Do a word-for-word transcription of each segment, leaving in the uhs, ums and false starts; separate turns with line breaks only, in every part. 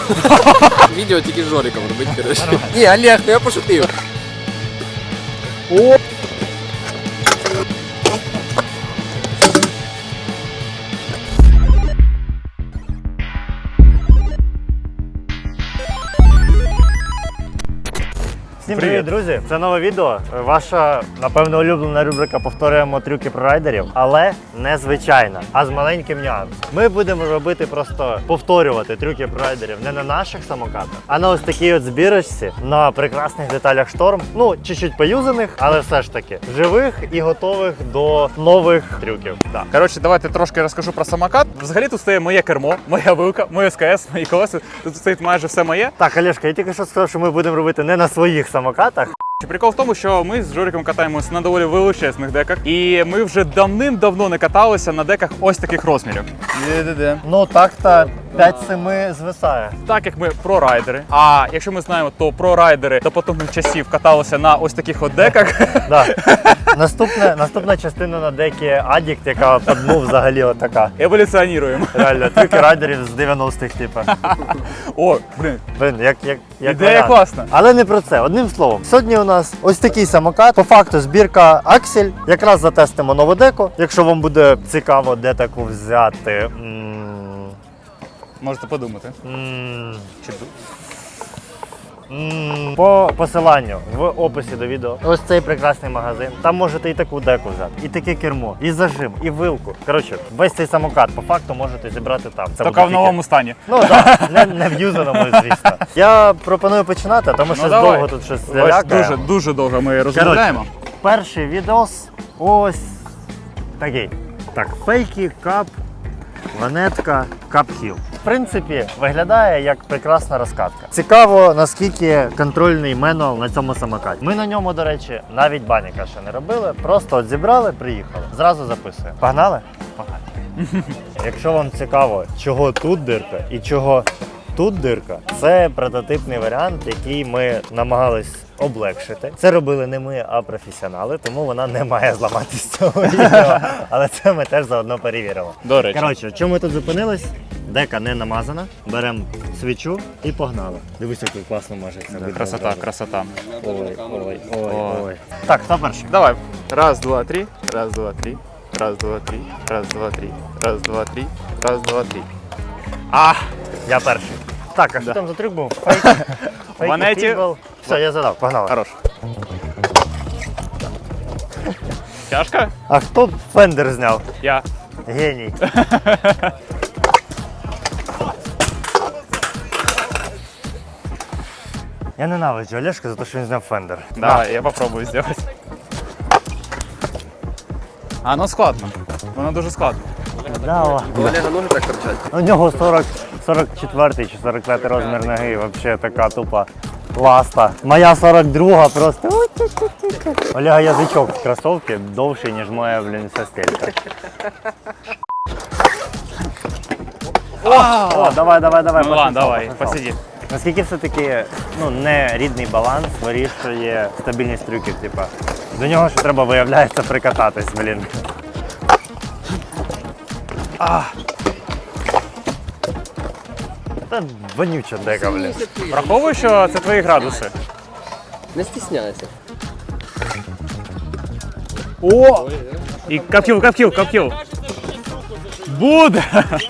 Відео тільки з Жориком робить, коротше. Ні, Олег, ну я пошутив. О!
Всім привіт, друзі! Це нове відео. Ваша, напевно, улюблена рубрика «Повторюємо трюки про райдерів», але не звичайна, а з маленьким нюансом. Ми будемо робити просто повторювати трюки про райдерів не на наших самокатах, а на ось такій от збірочці на прекрасних деталях Шторм. Ну, чуть-чуть поюзаних, але все ж таки живих і готових до нових трюків.
Да. Коротше, давайте трошки розкажу про самокат. Взагалі тут стоїть моє кермо, моя вилка, моє СКС, мої колеса. Тут стоїть майже все моє.
Так, Олешка, я тільки що сказав, що ми будемо робити не на своїх самокатах.
Прикол в тому, що ми з Жориком катаємося на доволі величезних деках, і ми вже давним-давно не каталися на деках ось таких розмірів. Де-де-де.
Ну так-то п'ять-сім звисає.
Так як ми про-райдери, а якщо ми знаємо, то про-райдери до потужних часів каталися на ось таких от деках.
Да. Наступна, наступна частина на декі Addict, яка по дну взагалі отака.
Еволюціонуємо.
Реально, трюки райдерів з дев'яностих, типу.
О, блин.
Блин, як, як, як
Ідея
варіант.
класна.
Але не про це. Одним словом, сьогодні у нас ось такий самокат. По факту збірка Аксель. Якраз затестимо нову деку. Якщо вам буде цікаво, де таку взяти. М
Можете подумати.
-м
Чи
М, По посиланню в описі до відео. Ось цей прекрасний магазин. Там можете і таку деку взяти, і таке кермо, і зажим, і вилку. Коротше, весь цей самокат по факту можете зібрати там. Це
Тільки в новому стані.
Ну так, не, не в юзаному, звісно. Я пропоную починати, тому що
Ну,
довго
давай.
тут щось
Ось
лялякає.
дуже, дуже довго ми розмовляємо.
Перший відос ось такий. Так, фейки, кап, ванетка, кап-хіл. В принципі, виглядає як прекрасна розкатка. Цікаво, наскільки контрольний менуал на цьому самокаті. Ми на ньому, до речі, навіть баніка ще не робили. Просто от зібрали, приїхали. Зразу записуємо. Погнали? Погнали. Якщо вам цікаво, чого тут дирка і чого тут дирка, це прототипний варіант, який ми намагались облегшити. Це робили не ми, а професіонали, тому вона не має зламатися з цього відео. Але це ми теж заодно перевіримо.
До речі.
Коротше, чому ми тут зупинились? Дека не намазана. Беремо свічу і погнали. Дивись, як класно мажеться.
Красота, красота.
Ой, ой, ой,
О.
ой. Так, хто перший?
Давай. Раз, два, три. Раз, два, три. Раз, два, три. Раз, два, три. Раз, два, три. Раз, два, три. А!
Я перший. Так, а що
Да.
там за трюк був? Фейк. Фейк,
Ванеті.
фібл. Все, я задав, погнали.
Хорош. Тяжко?
А хто фендер зняв?
Я.
Геній. Я ненавиджу Олешка за те, що він зняв фендер.
Давай, я попробую сделать. А, ну складно. Воно дуже складно.
Да, о.
У Олега ноги так торчать.
У нього сорок, сорок четвертий чи сорок п'ятий розмір ноги, взагалі така тупа ласта. Моя сорок друга просто. Олега язичок в кросовці довший, ніж моя, блін, состелька. О, давай, давай, давай.
Ну ладно,
пошел,
давай,
пошел.
посиди.
Наскільки все-таки ну, не рідний баланс вирішує стабільність трюків, типа. До нього ще треба, виявляється, прикататись, блін. А. Та вонюча дека, блін.
Враховую, що це твої градуси.
Не стісняйся.
О! І капкіл, капкіл, капкіл. Буде!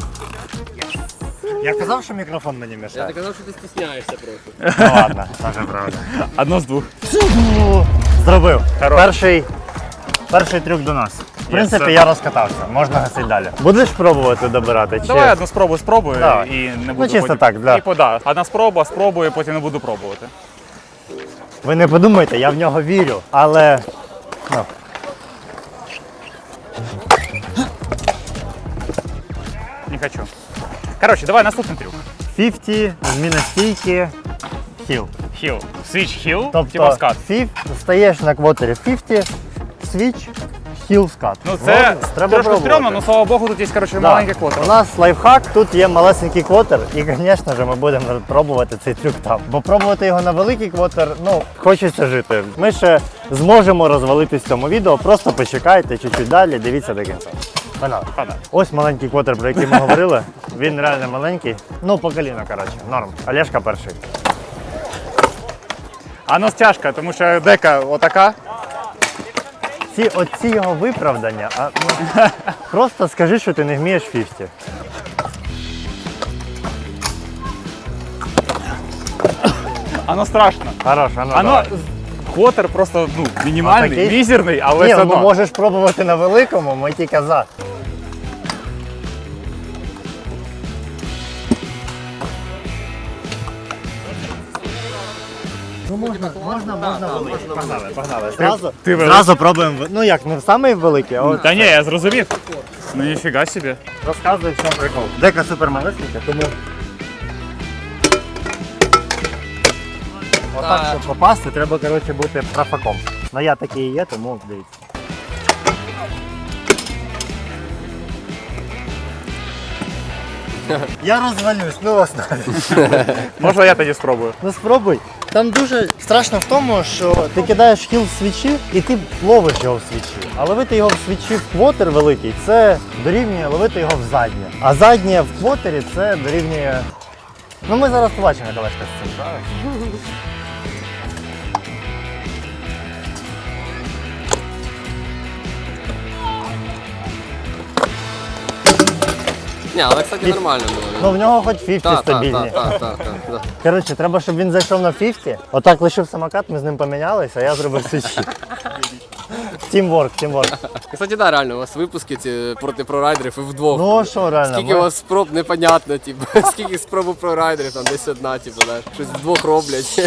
Я казав, що мікрофон мені
Я
мішає.
так казав, що ти стісняєшся просто.
Ну ладно, це правда.
Одно з двох.
Зробив.
Хорош.
Перший, перший трюк до нас. В принципі,
sir.
я розкатався, можна гасити далі. Будеш пробувати добирати? Чи...
Давай одну спробу спробую
Давай.
і не буду
Ну, чисто
потім...
так, для-
І пода. Одна спроба, спробую, потім не буду пробувати.
Ви не подумайте, я в нього вірю, але... Ну.
Не хочу. Коротше, давай наступний трюк.
п'ятдесят, зміна стійки, хіл.
Хіл. Свіч хіл, типа
Тобто
скат.
фіф, стаєш на квотері п'ятдесят, свіч, хіл скат.
Ну це
Ну, треба
трошки
пробувати.
стрьомно, але слава Богу, тут є, коротше,
Да.
маленький квотер.
У нас лайфхак, тут є малесенький квотер, і, звісно ж, ми будемо пробувати цей трюк там. Бо пробувати його на великий квотер, ну, хочеться жити. Ми ще зможемо розвалитись в цьому відео, просто почекайте чуть-чуть далі, дивіться до кінця. Погнали.
Погнали.
Ось маленький квотер, про який ми говорили. Він реально маленький. Ну, по коліно, коротше, норм. Олешка перший.
А ну стяжка, тому що дека отака.
Ці, оці його виправдання, а, ну, просто скажи, що ти не вмієш п'ятдесят.
Оно страшно.
Хорош, а ну,
Оно
давай.
квотер просто ну, мінімальний,
Отакий?
мізерний, але
Ні,
все
ну
одно.
можеш пробувати на великому, ми тільки за. Ну можна, можна, можна, можна. Погнали, погнали. Зразу,
ти великий?
зразу пробуємо. в- Ну як, не в самий великий, а от
Та ні, я зрозумів. Ну ніфіга собі.
розказуй, в чому прикол. Дека супер малесенька, тому отак, щоб попасти, треба, коротше, бути профаком. Ну я такий і є, тому дивіться. Я розвалюсь, ну вас навіть.
Можна я тоді спробую?
Ну спробуй. Там дуже страшно в тому, що ти кидаєш хіл в свічі і ти ловиш його в свічі. А ловити його в свічі в квотер великий це дорівнює ловити його в заднє. А заднє в квотері це дорівнює. Ну ми зараз побачимо, як Олешка з цим справиться.
Ні, але, кстати, нормально було.
Ну в нього хоч п'ятдесят
Так, так,
стабільні.
так, так, так, так.
Коротше, треба, щоб він зайшов на п'ятдесят. Отак лишив самокат, ми з ним помінялися, а я зробив свічі. Тімворк, тімворк.
Кстати, да, реально, у вас випуски ці проти прорайдерів і вдвох.
Ну а що реально?
Скільки
ми-
у вас спроб непонятно, типу, скільки спроб у прорайдерів, там десь одна, типу, да, щось вдвох роблять.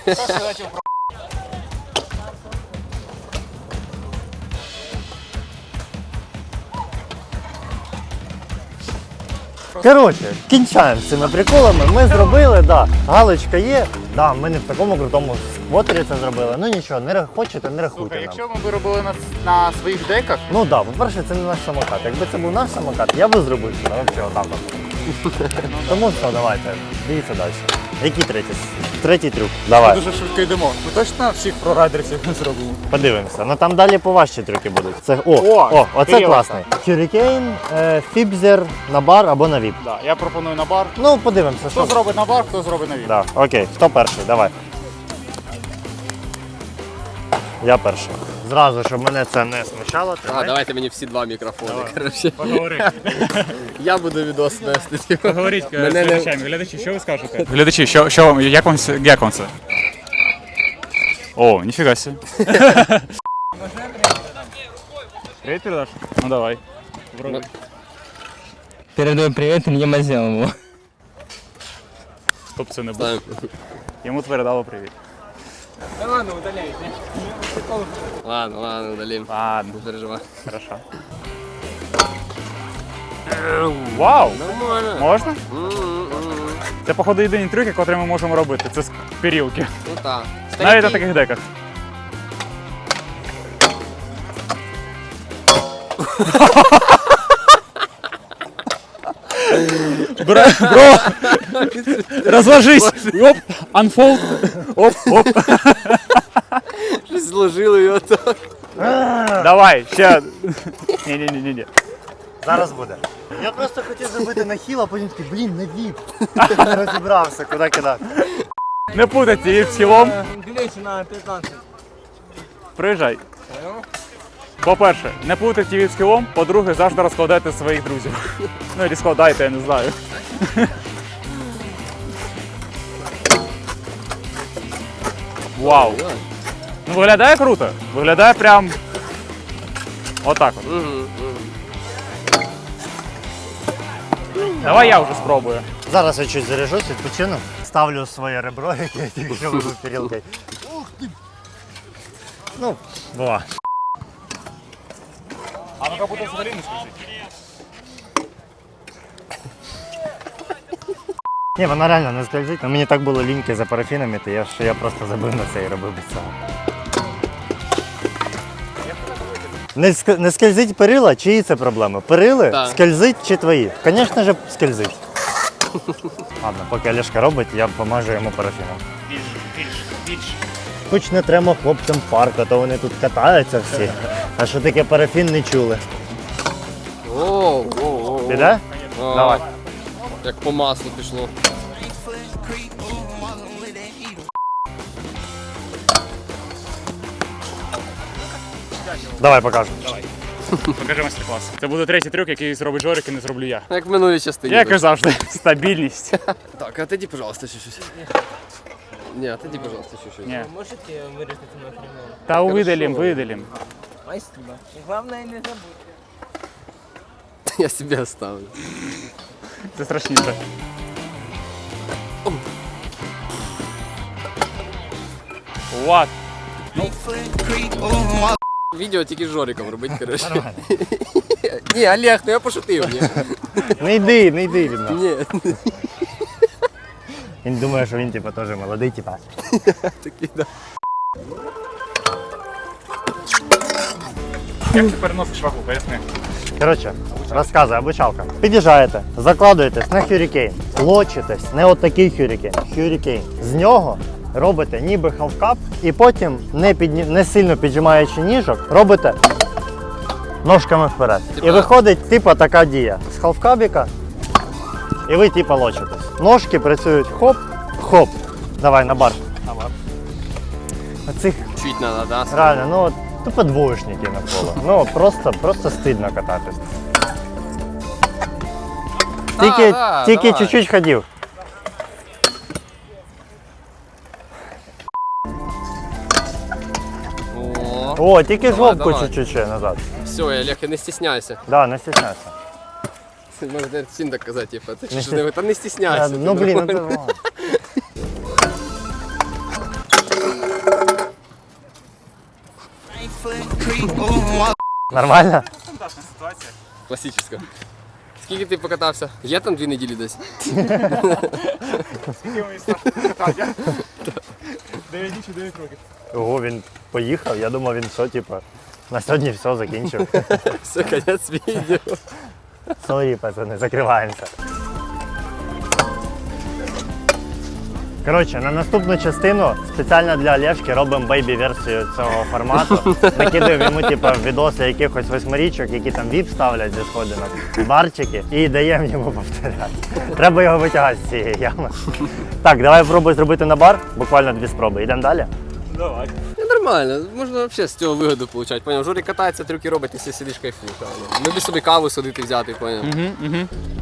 Коротше, кінчаємо з цими приколами. Ми зробили, да, галочка є. Да, ми не в такому крутому сквотері це зробили. Ну нічого, не ра- хочете, не рахуйте нам.
Якщо ми би робили на, на своїх деках,
Ну так, да, по-перше, це не наш самокат. Якби це був наш самокат, я би зробив це взагалі отак. от. Тому все, давайте, дивіться далі. Який третій? Третій трюк. Давай,
дуже швидко йдемо. Ми точно всіх прорайдерів не зробимо?
подивимося. Ну там далі поважчі трюки будуть. Це, о,
О,
о, оце
Кирило.
класний. Hurricane, е, Фібзер на бар або на віп.
Да, я пропоную на бар.
Ну, подивимося, що.
Хто зробить на бар, хто зробить на віп.
Да, окей, хто перший? Давай. Я перший. Зразу, щоб мене це не смущало.
А,
тримай.
давайте мені всі два мікрофони, коротше.
Поговори.
Я буду відос вести, типу.
Поговоріть з
Мене не-
глядачами. Глядачі, що ви скажете? Глядачі, що, що вам, як вам, це- як вам це? О, ніфіга собі. Привіт, передаш? Ну давай. Вроде.
Передаю привет Илье Мазелову.
Хто б це не був.
Ставим.
Йому передало привіт.
Ладно, ладно, удалим.
Ладно,
Не переживай.
хорошо. Вау!
Нормально.
Можна?
М-м-м.
Це, походу, єдині трюки, котрі ми можемо робити. Це з перілки.
Ну так.
Навіть на таких деках. Бро, бро, розложись. Оп, unfold. Оп, оп.
Щось зложили його так.
Давай, ще. Ні, ні, ні, ні, ні.
Зараз буде. Я просто хотів зробити на хіл, а потім такий, блін, на віп. Не розібрався, куди кидати.
Не путайте її з хілом. Приїжджай. По-перше, не путайте її з хілом. По-друге, завжди розкладайте своїх друзів. Ну, і складайте, я не знаю. Вау. Ну, виглядає круто. Виглядає прям отак от.
Мгм, мгм.
Давай я вже спробую.
Зараз я чуть заряжусь, відпочину. Ставлю своє ребро, яке я тільки що вибив перілкою. Ну, бува.
А ну-ка буде взагалі не скажіть.
Ні, вона реально не скользить, але мені так було ліньки за парафінами, то я, що я просто забив на це і робив без цього. Не, ск- не скользить перила, чиї це проблеми? Перили?
Так.
Скользить чи твої? Звісно ж, скользить. Ладно, поки Олешка робить, я помажу йому парафіном.
Більше, більше, більше.
Хоч не треба хлопцям парку, то вони тут катаються всі. А що таке парафін не чули.
О,
Піде?
А,
Давай.
Як по маслу пішло.
Давай покажемо.
Покажи майстер-клас. Це буде третій трюк, який зробить Жорик і не зроблю я.
Як в минулій частині.
Як і завжди, стабільність.
Так, а тоді, пожалуйста, чуть-чуть. Ні, а тоді, пожалуйста, чуть-чуть.
Ні.
Можете вырезать мой фрагмент?
Та видалім, видалім.
Спасибо. Главное не забудь.
Я себе оставлю.
Це страшніше. What?
Відео тільки з Жориком робить, коротше. Ні, Олег, ну я пошутив. Ні.
Не йди, не йди від нас.
Ні,
Він думає, що він типу, теж молодий, типа.
такий, да.
Як ти переносиш вагу, поясни.
Коротше, розказує обучалка. Під'їжджаєте, закладуєтесь на хюрікейн, лочитесь, не от такий хюрікейн, хюрікейн. З нього робите ніби халфкап і потім, не, підні... не сильно піджимаючи ніжок, робите ножками вперед.
Типа-
І виходить типа така дія. З халфкабіка і ви типа лочитесь. Ножки працюють хоп, хоп. Давай на бар. На бар. Оцих
Чуть надо, да?
реально, ну от, тупо двоєшники навколо. Ну просто, просто стидно кататись. Тільки,
да,
тільки
давай.
чуть-чуть ходив.
О,
О, тільки
Давай,
жопку
давай.
чуть-чуть ще назад.
все, Олег, не стесняйся.
Да, не стесняйся.
Можна всім так казати, типу, ти
Не
що ж не, та не стесняйся.
Е,
ти
Ну блін, ну
нормально.
це ладно. Нормально?
Стандартна ситуація.
Класична. Скільки ти покатався? Є там дві неділі десь?
Скільки мені страшно катати? Дев'ять чи дев'ять років.
Ого, він поїхав, я думав, він що, типу, на сьогодні все закінчив.
Все, кінець відео.
Сорі, пацани, закриваємося. Коротше, на наступну частину спеціально для Олешки робимо бейбі-версію цього формату. Накидаємо йому типу, відоси якихось восьмирічок, які там віп ставлять зі сходинок, барчики, і даємо йому повторяти. Треба його витягати з цієї ями. Так, давай пробуй зробити на бар, буквально дві спроби. Йдемо далі?
Давай.
Ну, нормально, можна взагалі з цього вигоду отримати. Поняв? Жорик катається, трюки робить, і ти сидиш кайфуєш. Ми б собі каву садити взяти, поняв?
Угу, угу.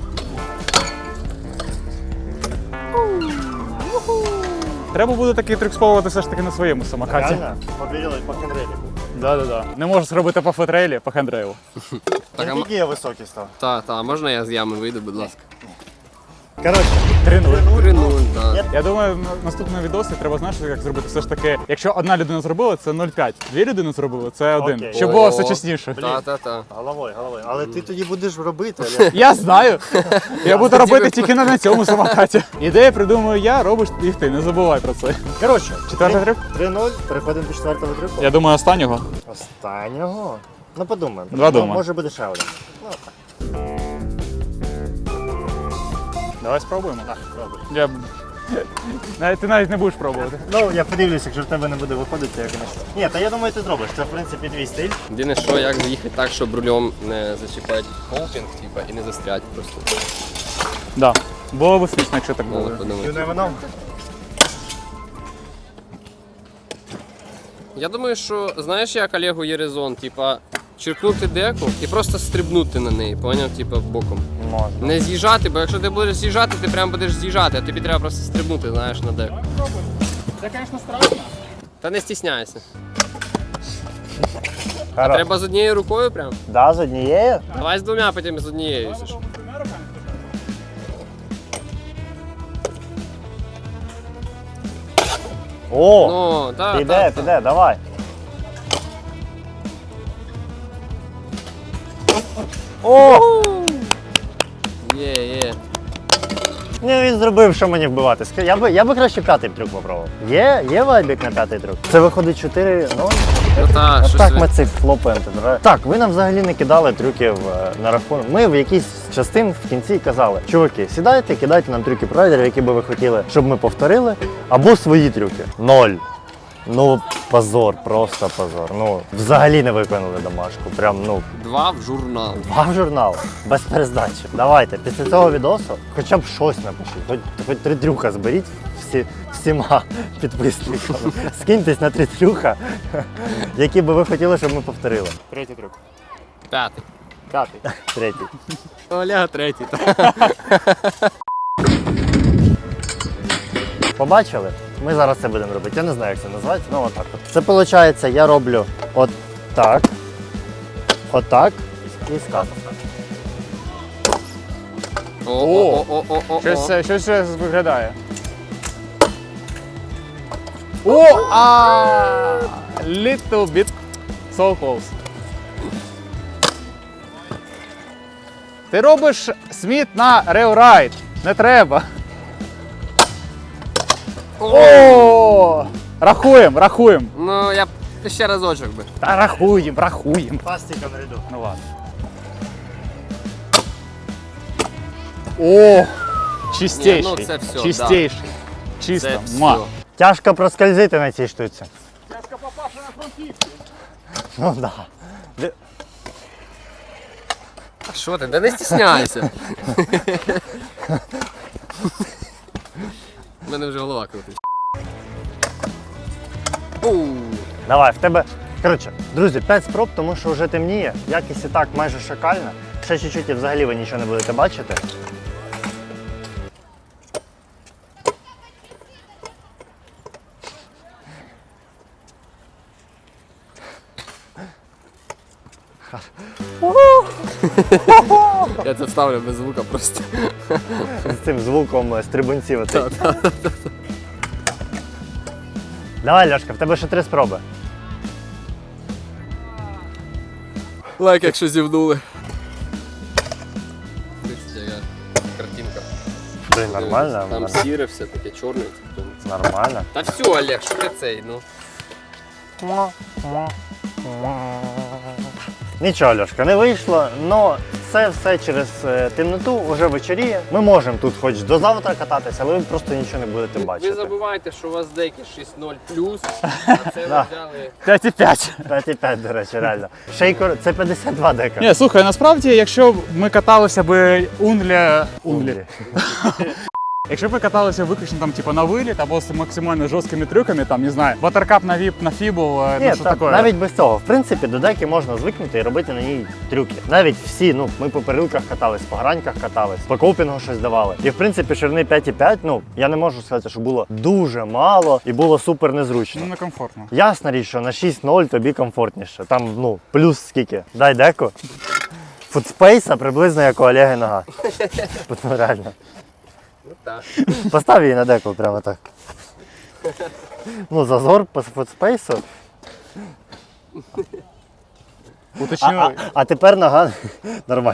Треба буде такий трюк спробувати все ж таки на своєму самокаті.
Реально? Побілили по хендреліку.
Да-да-да. Не можу зробити по фотрейлі, по хендрейлу.
Так, а м-
Який я високий став?
та, та, можна я з ями вийду, будь ласка?
Коротше,
три нуль.
Три нуль, так.
Я думаю, в наступному відосі треба, знаєш, як зробити все ж таки, якщо одна людина зробила, це нуль цілих п'ять. Дві людини зробили, це один.
Окей.
Щоб було все
О.
чесніше.
Та, та, та.
головою, головою. Але ти тоді будеш робити, Олег.
Я знаю. Я буду робити тільки на цьому самокаті. Ідеї придумаю я, робиш їх ти, не забувай про це.
Коротше,
Четвертий трюк?
три нуль, переходимо до четвертого трюку.
Я думаю, останнього.
Останнього? Ну подумаємо.
Два
Ну,
думаю.
Може буде ще один.
Давай спробуємо. Я... Навіть- Ти навіть не будеш пробувати.
Ну, я подивлюся, якщо в тебе не буде виходити, я, звісно. Ні, та я думаю, ти зробиш. Це, в принципі, твій стиль.
Єдине, що як заїхати так, щоб рулем не зачіпати холпінг, типа, і не застрять просто.
Да. Було б смішно, якщо так було.
Надо подумати.
You never know.
Я думаю, що знаєш, як Олегу є резон, типа, черкнути деку і просто стрибнути на неї, поняв, типа, боком.
Можна.
Не з'їжджати, бо якщо ти будеш з'їжджати, ти прям будеш з'їжджати, а тобі треба просто стрибнути, знаєш, на деку.
Це, звісно, страшно.
Та не стісняйся.
Хорош.
Треба з однією рукою прям.
Да, з однією?
Давай з двома, потім з однією. якщо що.
О,
Ну, так,
піде,
так,
піде, давай. О!
Є, є.
Ні, він зробив, що мені вбивати. Ска- Я би, я би краще п'ятий трюк попробував. Є, є вайбік на п'ятий трюк. Це виходить чотири нуль.
Ну так, щось
Так
ви-
ми цих флопаємо. ти дра- Так, ви нам взагалі не кидали трюків е, на рахунок. Ми в якійсь частин в кінці казали, чуваки, сідайте, кидайте нам трюки пройдерів, які би ви хотіли, щоб ми повторили, або свої трюки. Ноль. Ну, Позор, просто позор. Ну, взагалі не виконали домашку. Прям, ну,
Два в журнал.
два в журнал, без перездачі. Давайте, після цього відосу хоча б щось напишіть. Хоч, хоч три трюка зберіть всі, всіма підписниками. Скиньтесь на три трюка, які би ви хотіли, щоб ми повторили.
Третій трюк.
П'ятий.
П'ятий.
Третій.
Олега третій.
Побачили? Ми зараз це будемо робити. Я не знаю, як це називається, ну отак от. Це виходить, я роблю отак, отак і скат.
О-о-о-о-о-о.
Щось, е, щось ще виглядає. О, а little bit so close. Ти робиш сміт на реорайд. Не треба. О! Рахуємо, рахуємо.
Ну, я б ще разочок би.
Та рахуємо, рахуємо.
Пластиком ряду.
Ну ладно. О! Чистейший.
Ні, ну це все,
Чистейший.
Це
Чисто.
все.
Ма.
Тяжко проскользити на цій штуці. Тяжко попавши на фронтівці. Ну так. Да.
А що ти? Да не стісняйся. У мене вже голова крутить. Оу.
Давай, в тебе. Коротше, друзі, п'ять спроб, тому що вже темніє. Якість і так майже шакальна. Ще чуть-чуть і взагалі ви нічого не будете бачити.
Я це вставлю без звука просто.
З цим звуком е, стрибунців. оцей. Давай, Льошка, в тебе ще три спроби.
Лайк, якщо зівнули. Дивіться, яка картинка.
Блін, нормально.
Там сіре все таке чорне.
Нормально.
Та все, Олег, що ти цей, ну.
Нічого, Льошка, не вийшло, але це все через е, темноту, вже вечоріє. Ми можемо тут хоч до завтра кататися, але ви просто нічого не будете
Ви
бачити.
забуваєте, що у вас деякі шість нуль плюс, а це ви
Да.
взяли.
п'ять і п'ять.
п'ять і п'ять, до речі, реально. Шейкор, це п'ятдесят два дека.
Ні, слухай, насправді, якщо б ми каталися би унля... Унлі. Якщо б ви каталися виключно там, типу, на виліт або з максимально жорсткими трюками, там, не знаю, ватеркап на віп, на фібул,
Ні,
ну що
та,
таке.
навіть без цього. В принципі, до деки можна звикнути і робити на ній трюки. Навіть всі, ну, ми по перилках катались, по граньках катались, по копінгу щось давали. І в принципі, ширини п'ять і п'ять, ну, я не можу сказати, що було дуже мало і було супер незручно.
Ну, некомфортно.
Ясна річ, що на шість нуль тобі комфортніше. Там, ну, плюс скільки? Дай деку. Футспейса приблизно як у Олеги нога. Ну, реально.
Ну так.
Постав її на деку прямо так. Ну, зазор по футспейсу. А,
Уточню.
а, а тепер нога нормальна.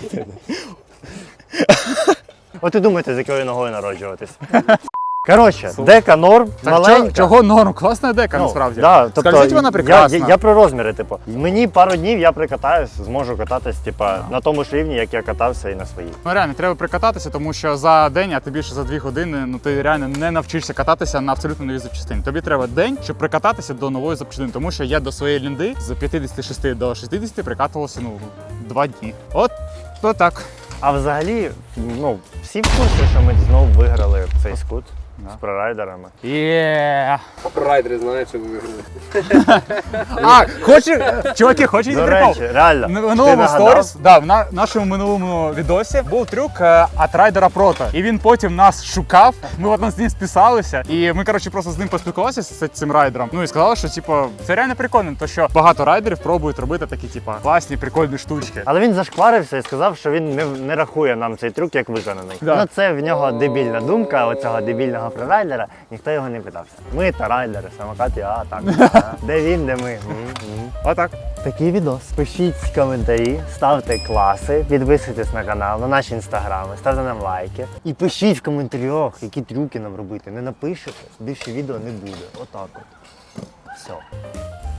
От і думаєте, з якою ногою народжуватись. Коротше, дека норм,
Так,
маленька.
чого, чого норм? Класна дека,
Ну,
насправді.
Да, тобто,
Скользить вона
я,
прекрасно.
я, я про розміри, типу. Мені пару днів я прикатаюсь, зможу кататись, типа, на тому ж рівні, як я катався і на своїй.
Ну реально, треба прикататися, тому що за день, а ти більше за дві години, ну ти реально не навчишся кататися на абсолютно новій запчастині. Тобі треба день, щоб прикататися до нової запчастини, тому що я до своєї лінди з п'ятдесят шість до шістдесят прикатувався, ну, два дні. От, то так.
А взагалі, ну, всі в курсі, що ми знову виграли цей скут з прорайдерами.
Є.
Райдери знають, що ви виграли.
А, хочеш, чуваки, хочете
До
прикол?
речі, реально.
В
ти
минулому
нагадав?
сторіс, да, в на- нашому минулому відосі був трюк е, от райдера Прото. І він потім нас шукав. Ми от з ним списалися. І ми, коротше, просто з ним поспілкувалися з цим райдером. Ну і сказали, що типу, це реально прикольно, то що багато райдерів пробують робити такі, типу, класні, прикольні штучки.
Але він зашкварився і сказав, що він не, не рахує нам цей трюк як виконаний.
Да.
Ну це в нього дебільна думка, оцього дебільного прорайдера, ніхто його не питався. Ми та райдери, самокати, а так. а. Де він, де ми. М, м.
Отак.
Такий відос. Пишіть коментарі, ставте класи, підписуйтесь на канал, на наші інстаграми, ставте нам лайки. І пишіть в коментарях, які трюки нам робити. Не напишете, більше відео не буде. Отак от. Все.